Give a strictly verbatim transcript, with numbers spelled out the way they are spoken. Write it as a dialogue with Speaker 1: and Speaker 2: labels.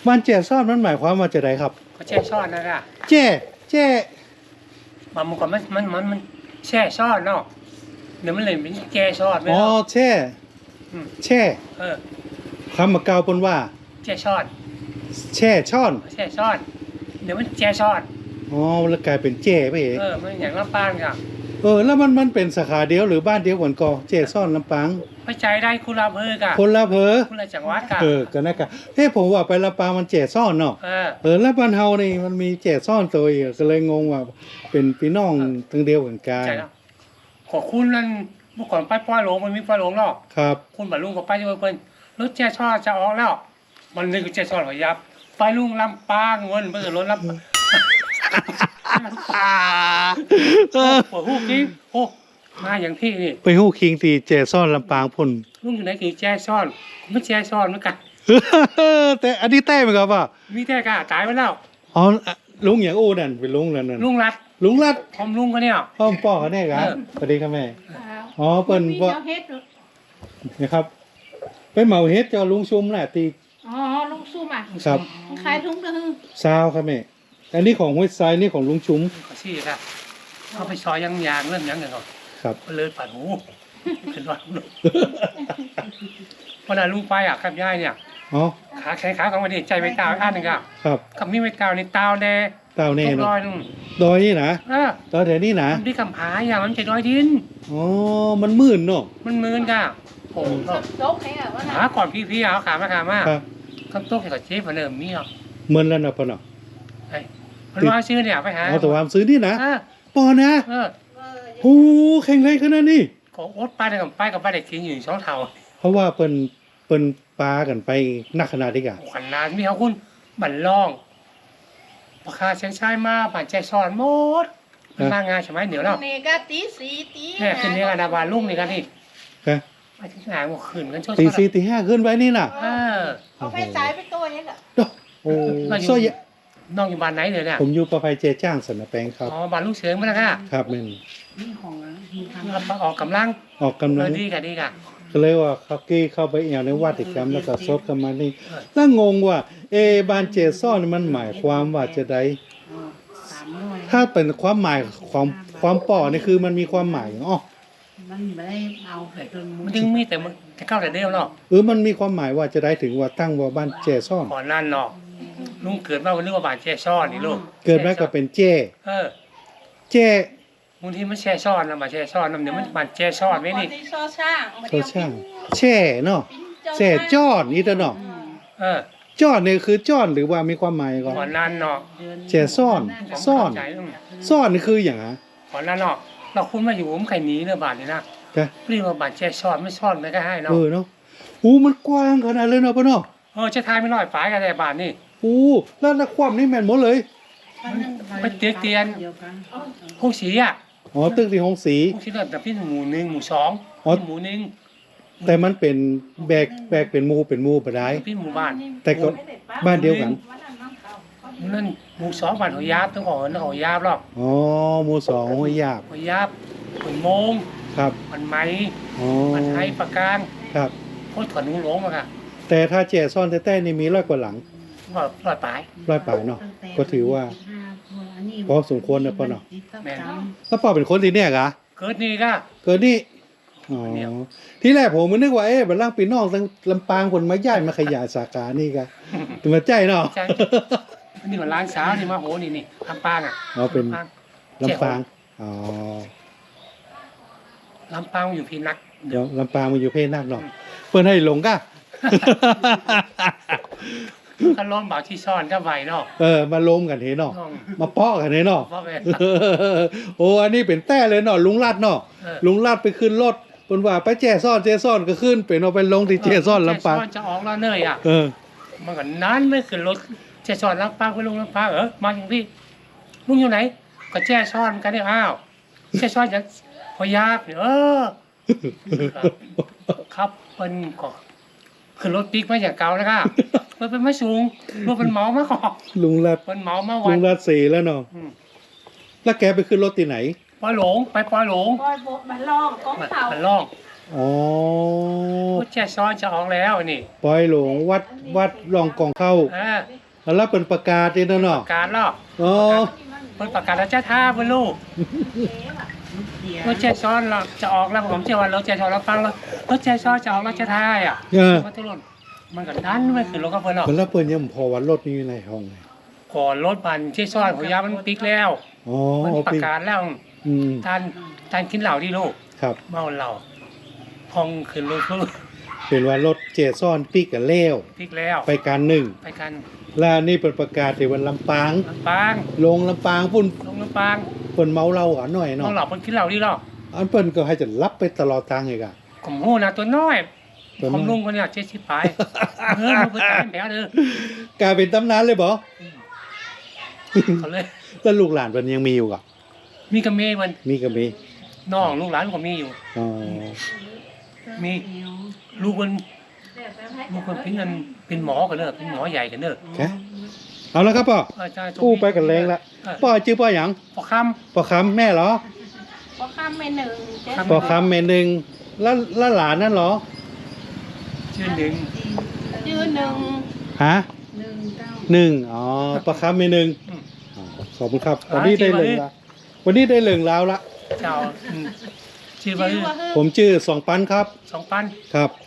Speaker 1: บ้านแจ่ซ่อนมันหมายความว่าจะไดครับ
Speaker 2: ก็แช่ซ่อนนะค่ะ
Speaker 1: แจ่แจ่
Speaker 2: บางมันก็มันมันมันมันแช่ซ่อนเนาะเดี๋ยวมันเลยเป็นแก่ซ่อนไม่
Speaker 1: อ๋อ
Speaker 2: เนาะ
Speaker 1: แช่แช่
Speaker 2: เออ
Speaker 1: คำมาเกาปนว่า
Speaker 2: แช่ซ่อน
Speaker 1: แช่ช่อน
Speaker 2: แช่ซ่อนเดี๋ยวมันแช่ซ่อน
Speaker 1: อ๋อแล้วกลายเป็นแจ่ไปเอง
Speaker 2: เออมันอย่างลำปางค่ะ
Speaker 1: เออแล้วมันมันเป็นสาขาเดียวหรือบ้านเดียวกันก็แจ่ซ่อนลำปาง
Speaker 2: ไปใจได้คุณลาเภอค่ะ
Speaker 1: คนละเพอ
Speaker 2: คุณลาจังหวัดค่ะ
Speaker 1: เออกันนะกะเฮ้ผมว่าไปลำปางมันแจ่ซ่อนเนาะ
Speaker 2: เออ
Speaker 1: เออแล้วบ้านเฮานี่มันมีแจ่ซ่อนตัวอีกก็เลยงงว่าเป็นพี่น้องทั้งเดียวกันกัน
Speaker 2: ใจแล้วขอคุณนั่นเมื่อก่อนไปป้อยหลงมันมีป้อยหลงเนาะ
Speaker 1: ครับ
Speaker 2: คุณบรรลุงกับไปเจอเพิ่นรถแช่ซ่อนจะออกแล้ว มันนึกแช่ซ่อนหัวยับไปลุงลำปางเงินเบิ่งรถลำปาง
Speaker 1: เออ
Speaker 2: โอ้โหกิ๊กโอ้มาอย่างที่นี่
Speaker 1: ไปฮู้คิงที่แจ่ซ่อนลำปางพุ่น
Speaker 2: ลุงอยู่ไหนกี่แช่ซ่อนไม่แช่ซ่อนเหมือนกัน
Speaker 1: แต่อันนี้แต้ไหมครับว่า
Speaker 2: มีแต่กะตายไปแล้ว
Speaker 1: อ๋อลุงอย่างอู้นั่นเป็นลุงนั่นนั่น
Speaker 2: ลุงรัด
Speaker 1: ลุงรัด
Speaker 2: พร้อมลุงก็เนี่ย
Speaker 1: พ่อมป่อเขาแน่ครับ
Speaker 2: เออ
Speaker 1: สวัสดีครับแม่
Speaker 3: ครับ
Speaker 1: อ๋อเปิ้น
Speaker 3: มี
Speaker 1: ว่า
Speaker 3: เจ้าเฮ็ดเหรอ
Speaker 1: นะครับไปเหมาเฮ็ดเจ้าลุงชุมแหละตี
Speaker 3: อ๋อลุงซุ่มอ่ะ
Speaker 1: ครับ
Speaker 3: ขายถุงกระหึ่ง
Speaker 1: ซาวครับแม่อันนี้ของห้วยทรายนี่ของลุงชุม
Speaker 2: ขอชี้ครับเอาไปซอยยังยางเริ่มยังกันก่อน
Speaker 1: ครับ
Speaker 2: ก็เลยปัดหูขึ้นว่าลุงพอได้ลุงไปอ่ะกับยายเนี่ย
Speaker 1: อ๋อ
Speaker 2: ขาแขนขาของมันนี่ใจไม่ตาวอันหนึ่งอ่ะ
Speaker 1: ครับ
Speaker 2: กับมีไม่ตาวในตาวแน่
Speaker 1: เต่าแน่
Speaker 2: ตก
Speaker 1: เนาะ
Speaker 2: รอยนึง
Speaker 1: ดอยนี่นะ
Speaker 2: เออ
Speaker 1: ดอยแถวนี้นะ
Speaker 2: มันที่คำผาอย่างมันจะดอยดิน
Speaker 1: อ๋อมันมื่นเนาะ
Speaker 2: มันมืนก่ะโอ้โห
Speaker 3: โจ๊กให้อ่ะว่า
Speaker 2: หาก่อนพี่ๆเอาขามาขามา
Speaker 1: ครับ
Speaker 2: คำโต๊ะให้กับเจ๊พเริ่มมีอ่ะ
Speaker 1: เหมือนแล้วนะพ่อเนาะ
Speaker 2: ไอ้มันว่าชื่อเนี่ยไปหา
Speaker 1: เอาแต่วามซื้อนี่นะ
Speaker 2: เออ
Speaker 1: ปอนะ
Speaker 2: เออ
Speaker 1: โอ้แข็งแรงขนาดนี้
Speaker 2: ก็อดไปได้กับไปกับไปได้กินอยู่สองเท่า
Speaker 1: เพราะว่าเปิ้นเปิ้นปลากันไปนักขนาดนี้กะ
Speaker 2: ขวัญนานมีเขาคุณบันล่องราคาเชียงชายมาผ่านใจซ้อนหมดมันมางานใช่ไหมเดี๋ยวเรา
Speaker 3: นี่ก็ตีสีตี
Speaker 2: เนี่ยคืนนี้กันนาบานลุ่งนี่กันนี่
Speaker 1: ครับ
Speaker 2: ไปถึงไหนหมดคืนกันช่วย
Speaker 1: ตีสี่ตีห้าขึ้นไว้นี่น่ะ
Speaker 2: เออ
Speaker 3: เอาไปสายไปตัวนี้เหรอ
Speaker 1: โอ้
Speaker 2: เราอยู่
Speaker 1: ซอย
Speaker 2: น้องอยู่บ้านไหนเดี๋ยวเนี่ย
Speaker 1: ผมอยู่ประภัยเจจ้างสนแปงครับ
Speaker 2: อ๋อบ้านลูกเสือมาแล้วค่ะ
Speaker 1: ครับแม่น
Speaker 2: ออกกำลัง
Speaker 1: ออกกำ
Speaker 2: เอ
Speaker 1: ลั
Speaker 2: อง ดีกันดีกัน
Speaker 1: ก็เลยว่าเขากี้เข้าไปเอี่ยวในวัดอีกครั้งแล้วก็ซดเข้ามานี่แล้วงงว่าเอะบานเจซ่อนมันหมายความว่าจะได้ถ้าเป็นความหมายความความป่อนี่คือมันมีความหมายอ๋อ
Speaker 3: มันไม่ได้เอาไปจน
Speaker 2: มันจึงมีแต่มันจะเข้าแต่เดียวเนาะ
Speaker 1: เออมันมีความหมายว่าจะได้ถึงว่าตั้งว่าบ้านเจซ่อน
Speaker 2: ก่อนนั่นเนาะลุงเกิดมาวันนึกว่าบ้านแช่ซ้อนนี่ลูก
Speaker 1: เกิดมาก็เป็นเจ
Speaker 2: เออ
Speaker 1: เจ
Speaker 2: บางทีมันแช่ซ้อนนะมาแช่ซ้อนนะเดี๋ยวมันบ้านแช่ซ้อนไม่นี่
Speaker 3: ที่ซอช่าง
Speaker 1: โซช่างแช่เนาะแช่จอดนี่ตะเนาะ
Speaker 2: เออ
Speaker 1: จอดนี่คือจอดหรือว่ามีความหมายก่อน
Speaker 2: ก่อนนั่นเนาะ
Speaker 1: แช่ซ่อนซ่อน
Speaker 2: ใจอืม
Speaker 1: ซ่อนนี่คืออย่างฮะ
Speaker 2: ก่อนนั่นเนาะเราคุณมาอยู่ผมไข่หนีเนื้อบาทเลยนะ
Speaker 1: จ้ะ
Speaker 2: เรียกว่าบาทแช่ซ้อนไม่ซ้อนไม่ก็ให้เนาะ
Speaker 1: เออเนาะอู้มันกว้างขนาดเลยเนาะปะเนาะ
Speaker 2: เออจะทายไม่น้อยฝ่ายกันแต่บาทนี่
Speaker 1: อู้แล้วนักความนี่แม่นหมดเลย
Speaker 2: ไปเตียนเตียนพวกสีอ่ะ
Speaker 1: อ๋อตึกที่ห้องสี
Speaker 2: พวกสีแบบพี่หมู่หนึ่งหมู่สอง
Speaker 1: อ๋อ
Speaker 2: พี่หมู่หนึ่ง
Speaker 1: แต่มันเป็นแบกแบกเป็นหมูเป็นหมูบ่ได้
Speaker 2: พี่หมู่บ้าน
Speaker 1: แต่ก็บ้านเดียวกัน
Speaker 2: นั่นหมู่สองบ้านหัวยาบต้องขอต้องขอยาบหรอก
Speaker 1: อ๋อหมู่สองห้วยหยาบ
Speaker 2: หัวยาบขุนโมง
Speaker 1: ครับ
Speaker 2: มันไหม
Speaker 1: อ๋อ
Speaker 2: มันไทยประการ
Speaker 1: ครับ
Speaker 2: โคตรถอนนุ่งหลงมาค่ะ
Speaker 1: แต่ถ้าแจซ่อนแต้ๆนี่มีร้อยกว่าหลัง
Speaker 2: ว่าลอยปลาย
Speaker 1: ร้อยป่ายเนาะก็ถือว่าพอสมควรนะพ่อเนาะ
Speaker 2: แม่น
Speaker 1: แล้วพ่อเป็นคนที่เนี่ยกะ
Speaker 2: เกิดนี่ก็
Speaker 1: เกิดนี่อ๋อที่แรกผมมันนึกว่าเอ๊ะบัดล่างปีน้องทั้งลำปางคนมาย้ายมาขยายสาขานี่กะถึงมาใจเนาะ
Speaker 2: ใช่นี่มันร้านสาวนี่มาโหนี่นี่ลำปางอ่ะ
Speaker 1: อ๋อเป็น
Speaker 2: ลำปาง
Speaker 1: ลำปางอ๋อ
Speaker 2: ลำปางอยู่พี่นัก
Speaker 1: เดี๋ยวลำปางมันอยู่เพศนักเนาะเปิ้นให้หลงกะ
Speaker 2: ก็ร้อนบ่าวที่ซ่อนก็ไหวเนาะ
Speaker 1: เออมาลมกันเห็นเนาะ
Speaker 2: น้อง
Speaker 1: มาเปาะกันเห็นเนาะ
Speaker 2: เพราะแม่
Speaker 1: โอ้อันนี้เป็นแต้เลยเนาะลุงลัดเนาะ
Speaker 2: เออ
Speaker 1: ลุงลัดไปขึ้นรถเพิ่นว่าไปแจ้ซ่อนแจ้ซ่อนก็ขึ้นเป็นเอาไปลงที่แจ้ซ่อนลำปาง
Speaker 2: แจ้ซ่อนจะออกแล้วเนยอ่ะ
Speaker 1: เออ
Speaker 2: มันก็นั้นไม่ขึ้นรถแจ้ซ่อนลำปางไปลงลำปางเออมาอย่างพี่ลุงอยู่ไหน ก็แจ้ซ่อนกันเนี่ยอ้าวแจ้ซ่อนอย่างพอยาบเนี่ยเออ ครับเป็นก็คือรถปิ๊กมาอย่างเก่านะครับมันเป็นไม่สูงรถเป็นเมามาขอ
Speaker 1: ลุงลัด
Speaker 2: เป็นเมามาวั
Speaker 1: ลุ
Speaker 2: น
Speaker 1: งลัดสีแล้วเนาะ
Speaker 2: อืม
Speaker 1: แล้วแกไปขึ้นรถที่ไหน
Speaker 2: ปอยหลงไปปอยหลง
Speaker 3: ปล่อยโบกมันลอกก้อง
Speaker 2: มัน
Speaker 3: เสา
Speaker 2: มันล่อง
Speaker 1: อ๋อ
Speaker 2: รถแช่ซ้อนจะออกแล้วนี่
Speaker 1: ปล่อยหลวงวัดวัดรองกองเข้า
Speaker 2: เออ
Speaker 1: แล้วเป็นประกาศนี่นะเนาะ
Speaker 2: การลอก
Speaker 1: อ๋อ
Speaker 2: เพิ่นประกาศแล้วจะท่าเพิ่นลูกรถแช่ซ้อนเราจะออกแล้วผมเชื่อว่ารถแช่ซ้อนเราฟังแล้วรถแช่ซ้อนจะออกแล้วจะท่าอ่ะ
Speaker 1: เออ
Speaker 2: มันตกลงมันก็ดันไม่ขึ้นรถกับเพิ่นหรอก
Speaker 1: มันแล้วเปิ้นยังพอวันรถนี้อยู่ในห้องไง
Speaker 2: ก่อนรถบันแช่ซ้อนของยามันปิกแล้ว
Speaker 1: อ๋อ
Speaker 2: มัน
Speaker 1: เอา
Speaker 2: ประ
Speaker 1: ไป
Speaker 2: กาศแล้ว
Speaker 1: อืม
Speaker 2: ทานทานกินเหล้าที่ลูก
Speaker 1: ครับ
Speaker 2: เมาเหล้าพองขึ้นรถลูก
Speaker 1: เป็นว่ารถเจซ่อนปิกกับเล้ว
Speaker 2: ปิกแล้ว
Speaker 1: ไปการหนึ่ง
Speaker 2: ไปกัน
Speaker 1: แล้วนี่เป็นประกาศที่วันลำปาง
Speaker 2: ลำปาง
Speaker 1: ลงลำปางพุ่น
Speaker 2: ลงลำปาง
Speaker 1: เปิ้นเมาเหล้าอ่ะหน่อย
Speaker 2: เมา
Speaker 1: เนาะ
Speaker 2: เหล้าเพิ่นกินเหล้าที่หรอก
Speaker 1: อันเปิ้นก็ให้จะรับไปตลอดทางอีกอ่ะ
Speaker 2: ผมหู้นะตัวน้อย
Speaker 1: ตัวน้อย
Speaker 2: ผมลุงคนเนี้ยเจ็ดสิบปลายเออมันเพิ่นตายแผลเด้อก
Speaker 1: ลายเป็นตำนานเลยบ่
Speaker 2: เขาเลย
Speaker 1: แล้วลูกหลานเพิ่นยังมีอยู่อ่ะ
Speaker 2: มีกับเมย์มัน
Speaker 1: มีก็มี
Speaker 2: น้องลูกหลานก็มีอยู่
Speaker 1: อ๋อ
Speaker 2: มีลูกมันลูกมันเป็นเงินเป็นหมอกันเนอะเป็นหมอใหญ่กันเนอะ
Speaker 1: แค่เอาแล้วครับพ่อ
Speaker 2: อาจารย์
Speaker 1: กู้ไปกันแรงละพ่อชื่อพ่อหยัง
Speaker 2: พอค
Speaker 1: พ่อคำแม่เหรอ
Speaker 3: พอข้ามไปหนึ่งเจ๊
Speaker 2: ครับ
Speaker 1: พ่อคำแม่หนึ่งแล้วแล้วหลานนั่นเหรอ
Speaker 2: ำชื่อหนึ่ง
Speaker 3: ยืนหนึ่ง
Speaker 1: ฮะ
Speaker 3: หนึ่งเก้า
Speaker 1: หนึ่งอ๋อพ่อคำแม่หนึ่ง
Speaker 2: อืม
Speaker 1: อ๋อขอบคุณครับ วันนี้ได้เหลืองละวันนี้ได้เหลืองแล้วละ
Speaker 2: เจ้าอืมชื่อว่า
Speaker 3: ชื่อว่าเฮ้ย
Speaker 1: ผมชื่อสองปันครับ
Speaker 2: สองปัน
Speaker 1: ครับ